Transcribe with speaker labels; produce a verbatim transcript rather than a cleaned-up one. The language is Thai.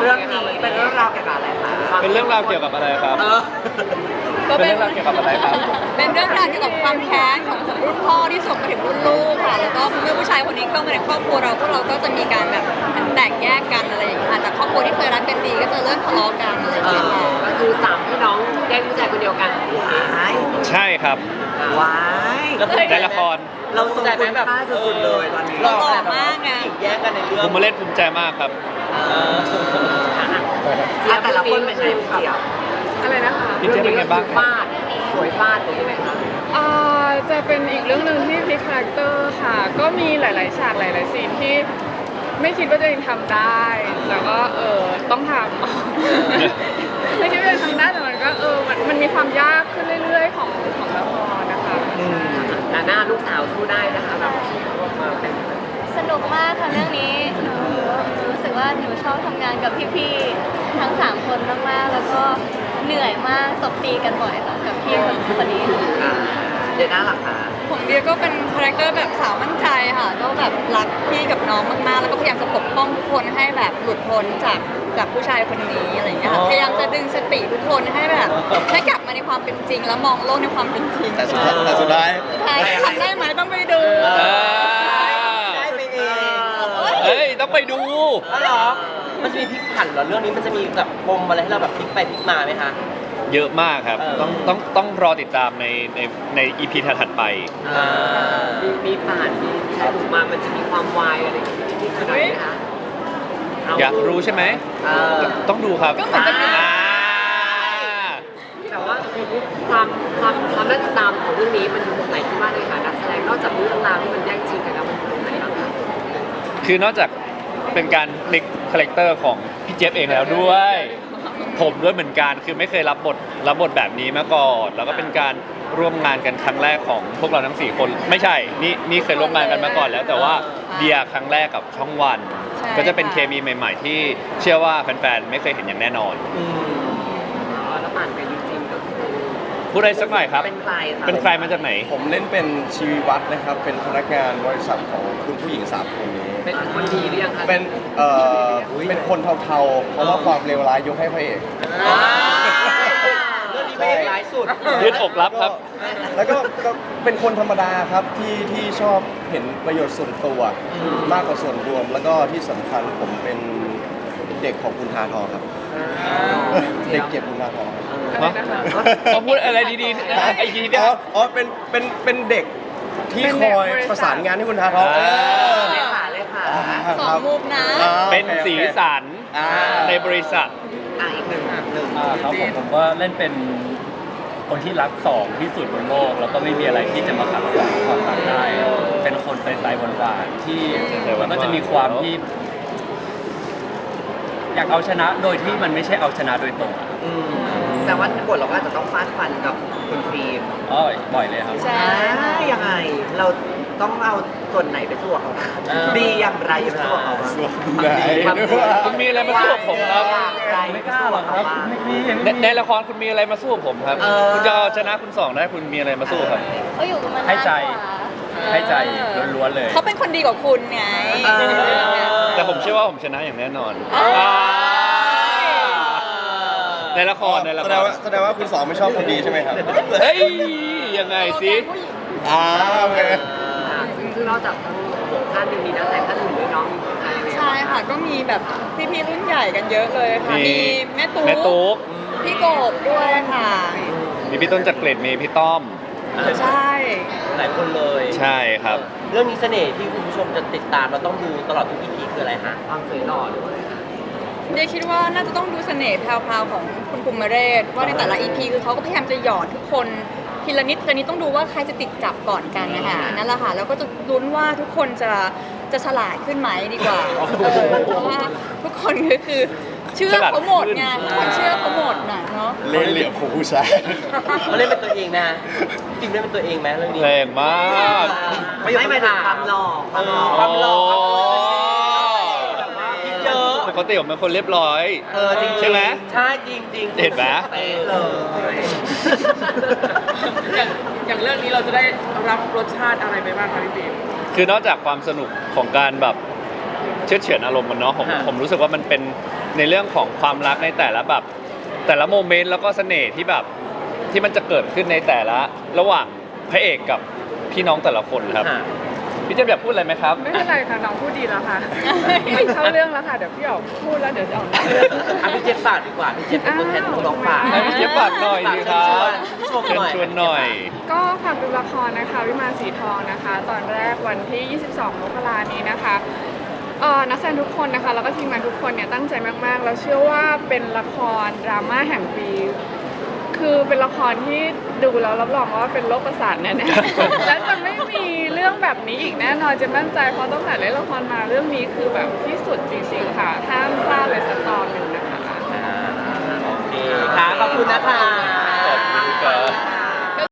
Speaker 1: รื่องนี้เป็นเรื่องราวเกี่ยวกับอะไรคะ
Speaker 2: เป็นเรื่องราวเกี่ยวกับอะไรครับ
Speaker 3: ก็
Speaker 2: เป็น
Speaker 3: เป็น
Speaker 2: เรื่องราวเกี่ยวกับอะไรครับ
Speaker 3: เป็นเรื่องราวเกี่ยวกับความแค้นของรุ่นพ่อที่ส่งมาถึงรุ่นลูกค่ะ แล้วก็เมื่อผู้ชายคนนี้เข้ามาในครอบครัวเราพวกเราก็จะมีการแบบแตกแยกกันอะไรอย่างเงี้ยค่ะจากครอบครัวที่เคยรักกันดีก็จะเริ่มทะเลาะกันอะไรอย่างเงี้ยค่ะ
Speaker 1: ก็คือสามพี่น้องแยกผู้ชายคนเดียวกันว้าย
Speaker 2: ใช่ครับ
Speaker 1: ว้าย
Speaker 2: ในละคร
Speaker 1: เราทรงคุณค่าสุดๆเลยตอนนี้
Speaker 3: หล่อมากไง
Speaker 1: แยกกันในเรื่อง
Speaker 2: ผมมาเล่นภูมิใจมากครับ
Speaker 1: แต่ละคนเป็นไงพี่เจี๊ยบ
Speaker 4: อะไรนะคะ
Speaker 2: พี่เจ๊เป็นไงบ้างครับ
Speaker 1: ฟาดสวยฟาดหรือยังไงคะ
Speaker 4: อ่าจะเป็นอีกเรื่องหนึ่งที่พลิกคาแรคเตอร์ค่ะ ก็มีหลาย ๆ ฉากหลาย ๆ ซีนที่ไม่คิดว่าตัวเองทำได้แต่ก็เออต้องทำ ไม่คิดว่าตัวเองทำได้แต่มันก็เออมันมันมีความยากขึ้นเรื่อย ๆ ของของละครนะคะใช่
Speaker 1: แต่หน้าลูกสาวสู้ได้นะคะแบบมาเป็น
Speaker 5: สนุกมากค่ะเรื่องนี้หนูหนูรู้สึกว่าหนูชอบทำงานกับพี่ๆทั้งสามคนมากๆแล้วก็เหนื่อยมากตบตีกันบ่อยค่ะกับพี่คนคนนี้ค่ะ
Speaker 1: เดี๋ยวหน้าหลักค่ะ
Speaker 3: ผมเดียก็เป็นคาแรคเตอร์แบบสาวมั่นใจค่ะก็แบบรักพี่กับน้องมากๆ แล้วก็พยายามจะปกป้องทุกคนให้แบบหลุดพ้นจากจากผู้ชายคนนี้อะไรอย่างเงี้ยค่ะพยายามจะดึงสติทุกคนให้แบบให้กลับมาในความเป็นจริง แล้วมองโลกในความเป็นจริง
Speaker 6: แต่สุดท้ายแต่สุดท้าย
Speaker 3: ใช่ทำได้ไหมต้องไปดู
Speaker 2: อ่า
Speaker 1: ได้ไปเอง
Speaker 2: เฮ้ย ต้องไปดู
Speaker 1: อ๋อเหรอ มันจะมีพลิกผันเหรอเรื่องนี้มันจะมีแบบปมอะไรให้เราแบบพลิกไปพลิกมาไหมคะ
Speaker 2: เยอะมากครับ
Speaker 1: เออ
Speaker 2: ต้องต้องต้องรอติดตามในในในอีพีถัดๆไป
Speaker 1: มีมีผ่านมีใช้ถูกมามันจะมีความวายอะไรอย่างเงี้ยที่ขนาดไหนคะ
Speaker 2: อยากรู้ใช่ไหม
Speaker 1: เออ
Speaker 2: ต้องดูครับ
Speaker 3: ก็เหมือนเป็น
Speaker 2: อ่า
Speaker 1: แต่ว่าความความความน่าติดตามของเรื่องนี้มันอยู่ตรงไหนที่มากเลยค่ะนักแสดงนอกจากเรื่องราวที่มันแย่งชิงกันแล้วมันอยู่ตรงไหนบ้างคะ
Speaker 2: คือนอกจากเป็นการพลิกคาแรคเตอร์ของพี่เจฟเองแล้วด้วย ผมด้วยเหมือนกันคือไม่เคยรับบทรับบทแบบนี้มาก่อน แล้วก็เป็นการร่วมงานกันครั้งแรกของพวกเราทั้งสี่คนไม่ใช่นี่นี่เคยร่วมงานกันมาก่อนแล้ว แต่ว่าเดียครั้งแรกกับช่องวัน
Speaker 3: ใช่
Speaker 2: ก็จะเป็น
Speaker 3: ค่ะ
Speaker 2: เคมีใหม่ ๆ ที่เชื่อว่าแฟนๆไม่เคยเห็นอย่างแน่นอน
Speaker 1: อืมอ๋อแล้วผ่านไปจริงๆก็คือ
Speaker 2: พูดอะไรสักหน่อยครับ
Speaker 1: เป็นใครคะ
Speaker 2: เป็นใครมาจากไหน
Speaker 6: ผมเล่นเป็นชีวิวัฒน์นะครับ เป็นพนักงานบริษัทของคุณผู้หญิงสามคนนี้
Speaker 1: เป็นคนดีหรือยังคะ
Speaker 6: เป็นเอ่อเป็นคนเทาๆ เพราะว่าความเลวร้ายยกให้พระเอก
Speaker 1: อ่าเรื่องนี้เป็นร้ายสุด
Speaker 2: ยืดอกรับครับ
Speaker 6: แล้วก็ก็เป็นคนธรรมดาครับที่ที่ชอบเห็นประโยชน์ส่วนตัวมากกว่าส่วนรวม แล้วก็ที่สำคัญผมเป็นเด็กของคุณทาทองครับ เด็กเก็บคุณทาทองครับ
Speaker 2: ฮะเขาพูดอะไรดีๆนะไอ้ทีเนี่ย
Speaker 6: อ๋ออ๋อเป็นเป็นเป็นเด็กที่คอยประสานงานให้คุณทาทอง
Speaker 2: อ่า
Speaker 1: เลยค่ะเลยค่ะ
Speaker 6: อ่า
Speaker 3: สองมุมนะ
Speaker 6: อ่า
Speaker 2: เป็นสีสัน
Speaker 6: อ่า
Speaker 2: ในบริษัท
Speaker 1: อ่ะอีกหนึ่งหนึ่ง
Speaker 7: อ่าครับผมผมก็เล่นเป็นคนที่รักสองที่สุดบนโลก แล้วก็ไม่มีอะไรที่จะมาขัดขวางความรักได้ เป็นคนใสๆหวานๆที่มันก็จะมีความที่ อยากเอาชนะโดยที่มันไม่ใช่เอาชนะโดยตรงอะ
Speaker 1: อืมแต่ว่าบทเราก็อาจจะต้องฟาดฟันกับคุณฟิล์ม
Speaker 7: อ๋อบ่อยเลยครับ
Speaker 3: ใช่
Speaker 1: อ่ายังไง เราต้องเอาส่วนไหนไปสู้กับเขาบ้างดีอย่างไรไปสู้กับเขาบ้าง
Speaker 6: ส่วนไหน
Speaker 1: ความ
Speaker 2: คุณมีอะไรมาสู้กับผมครับ
Speaker 7: ไม่กล้าหรอกครับไม่มี
Speaker 2: ในในละครคุณมีอะไรมาสู้กับผมครับ คุณจะเอาชนะคุณสองได้คุณมีอะไรมาสู้ครับ
Speaker 5: เขาอยู่กันมานาน
Speaker 7: ให้ใจ
Speaker 5: กว่า
Speaker 7: ให้ใจล้วนๆเลย
Speaker 3: เขาเป็นคนดีกว่าคุณไง
Speaker 2: แต่ผมเชื่อว่าผมชนะอย่างแน่นอน
Speaker 3: อ่า
Speaker 2: อ่าในละครในละ
Speaker 6: แส
Speaker 2: ค
Speaker 6: ดง
Speaker 2: ร
Speaker 6: ว่าแสดงว่าคุณสองไม่ชอบคนดีใช่ไหมครับ
Speaker 2: เฮ้ยยังไงสิ
Speaker 6: อ่าโอเค
Speaker 1: อ่าซึ่งซึ่งนอกจากทั้งหกท่านยังมีนักแสดงท่านอื่นด้วยเน้องมีใครไหม
Speaker 3: ใช่ค่ะก็มีแบบพี่ๆรุ่นใหญ่กันเยอะเลยค่ะ
Speaker 2: มี
Speaker 3: มีแม่ตุ๊
Speaker 2: แม่ตุ๊ก
Speaker 3: พี่กบด้วยค่ะ
Speaker 2: มีพี่ต้นจักรเกรดมีพี่ต้อม
Speaker 3: ใช่
Speaker 1: หลายคนเลย
Speaker 2: ใช่ครับ
Speaker 1: เรื่องนี้เสน่ห์ที่คุณผู้ชมจะติดตามเราต้องดูตลอดทุก อี พีคืออะไรฮะความสวยหล่อด้วย
Speaker 3: เดียคิดว่าน่าจะต้องดูเสน่ห์แพรวๆของคุณภูมิเรศว่าในแต่ละ อี พี คือเขาก็พยายามจะหยอดทุกคนทีละนิดทีละนิดต้องดูว่าใครจะติดจับก่อนกันนะคะนั่นแหละค่ะแล้วก็จะลุ้นว่าทุกคนจะจะฉลาดขึ้นไหมดีกว่าเออเพราะว่าทุกคนก็คือเชื่อเขาหมดไงทุกคนเชื่อเขาหมดน่ะเนาะ
Speaker 6: เล่นเหลี่ยมของผู้ชาย
Speaker 1: เขาเล่นเป็นตัวเองนะจริงเล่นเป็นตัวเองไหมเรื่องนี้
Speaker 2: แรงมาก
Speaker 1: ไม่หมายถึงความหล่อความหล่อความหล่อแบบว่าคิดเยอะ
Speaker 2: ปกติผมเป็นคนเรียบร้อย
Speaker 1: เออจริงๆ
Speaker 2: ใช่ไหม
Speaker 1: ใช่จริงจริงๆ
Speaker 2: เห็นไหม
Speaker 1: เป๊ะเลย
Speaker 4: อย่างอย่างเรื่องนี้เราจะได้รับรสชาติอะไรไปบ้างคะพี่ฟิล์ม
Speaker 2: คือนอกจากความสนุกของการแบบเชื่อดเฉือนอารมณ์มันเนาะผม
Speaker 7: ฮะ
Speaker 2: ผมรู้สึกว่ามันเป็นในเรื่องของความรักในแต่ละแบบแต่ละโมเมนต์แล้วก็เสน่ห์ที่แบบที่มันจะเกิดขึ้นในแต่ละระหว่างพระเอกกับพี่น้องแต่ละคนครับ
Speaker 7: อ่ะ
Speaker 2: พี่เจมส์อยากพูดอะไรไหมครับ
Speaker 4: ไม่เป็นไรค่ะน้องพูดดีแล้วค่ะไม่เข้าเรื่องแล้วค่ะเดี๋ยวพี่ออกพูดแล้วเดี๋ยวจะออกนอกเรื่อง
Speaker 8: อ่ะพี่เจฟฝากดีกว่าพี่เจฟเป็นตัวแทนของน้องฝาก
Speaker 2: ให้พี่เจฟฝากหน่อยสิครับ
Speaker 8: ชม
Speaker 2: เชิญ
Speaker 8: หน่อย
Speaker 2: ชวนหน่อย
Speaker 4: ก็ฝากดูละครนะคะวิมานสีทองนะคะ ตอนแรกวันที่ ยี่สิบสอง มกรานี้นะคะเอ่อนักแสดงทุกคนนะคะแล้วก็ทีมงานทุกคนเนี่ยตั้งใจมากๆแล้วเชื่อว่าเป็นละครดราม่าแห่งปี คือเป็นละครที่ดูแล้วรับรองว่าเป็นโรคประสาทแน่ๆ และจะไม่มีเรื่องแบบนี้อีกแน่นอนจะมั่นใจเพราะตั้งแต่เล่นละครมาเรื่องนี้คือแบบที่สุดจริงๆค่ะห้ามพลาดเลยสักตอนหนึ่งนะคะ
Speaker 8: โอเคค่ะขอบคุณนะคะ
Speaker 2: ขอบคุณครับ